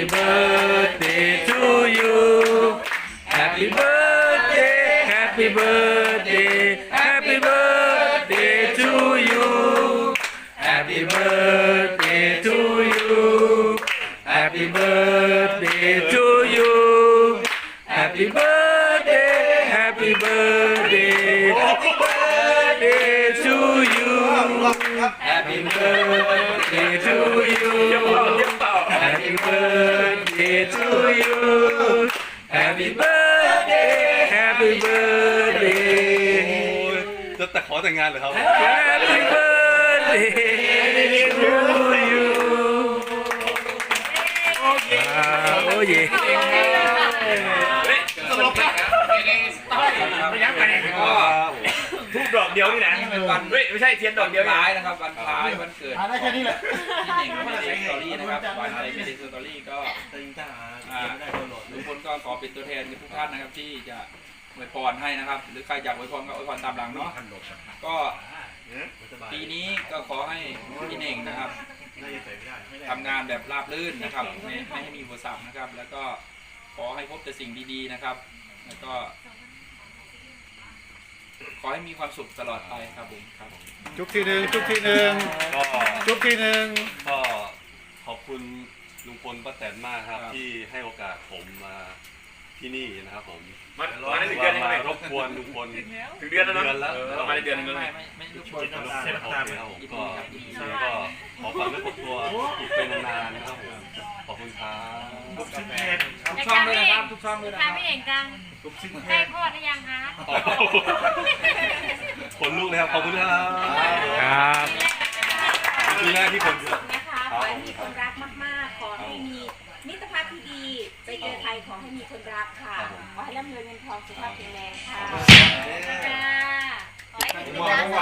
Happy birthday to you Happy birthday Happy birthday Happy birthday to you Happy birthday to you Happy birthday to you Happy birthday Happy birthday Happy birthday to you Happy birthday to you Happy birthday to you Happy birthday Happy birthday จะแต่ขอแต่งงานเหรอครับ Happy birthday to you โอ้ยทุกดอกเดียวนี่แหละไม่ใช่เทียนดอกเดียวคล้ายนะครับวันคล้ายวันเกิดได้แค่นี้แหละพี่เน่งไม่ได้สตอรี่นะครับวันอะไรไม่ได้สตอรี่ก็ลุงพลก็ขอเป็นตัวแทนทุกท่านนะครับที่จะอวยพรให้นะครับหรือใครอยากอวยพรก็อวยพรตามหลังเนาะก็ปีนี้ก็ขอให้พี่เน่งนะครับทำงานแบบราบรื่นนะครับไม่ให้มีอุปสรรคนะครับแล้วก็ขอให้พบแต่สิ่งดีๆนะครับแล้วก็ขอให้มีความสุขตลอดไปครับผมครับจุกทีหนึ่งจุกทีหนึ่งก็จุกทีหนึ่งก็ขอบคุณลุงพลป้าแตนมากครับที่ให้โอกาสผมมาที่นี่นะครับผมมาได้ถึงเดือนยังมาไงรบกวนลุงพลถึงเดือนแล้วเนาะแล้วมาได้เดือนนึงแล้วไม่ทุกคนโอเคครับผมก็แล้วก็ขอฝากเรื่องครอบครัวอีกเป็นนานๆนะครับผมขอบคุณครับทุกช่องด้วยนะครับทุกช่องด้วยนะคค่ะรับพี่เองจังใกล้คลอดหรือยังคะขนลุกเลยครับขอบคุณครับครับมีหน้าที่คนเยอะนะคะขอให้มีคนรักมากๆ ขอให้มีมิตรภาพที่ดี ไปเจอใครขอให้มีคนรักค่ะ ขอให้ร่ำรวยเงินทองสุขภาพแข็งแรงค่ะจ้าขอให้เป็น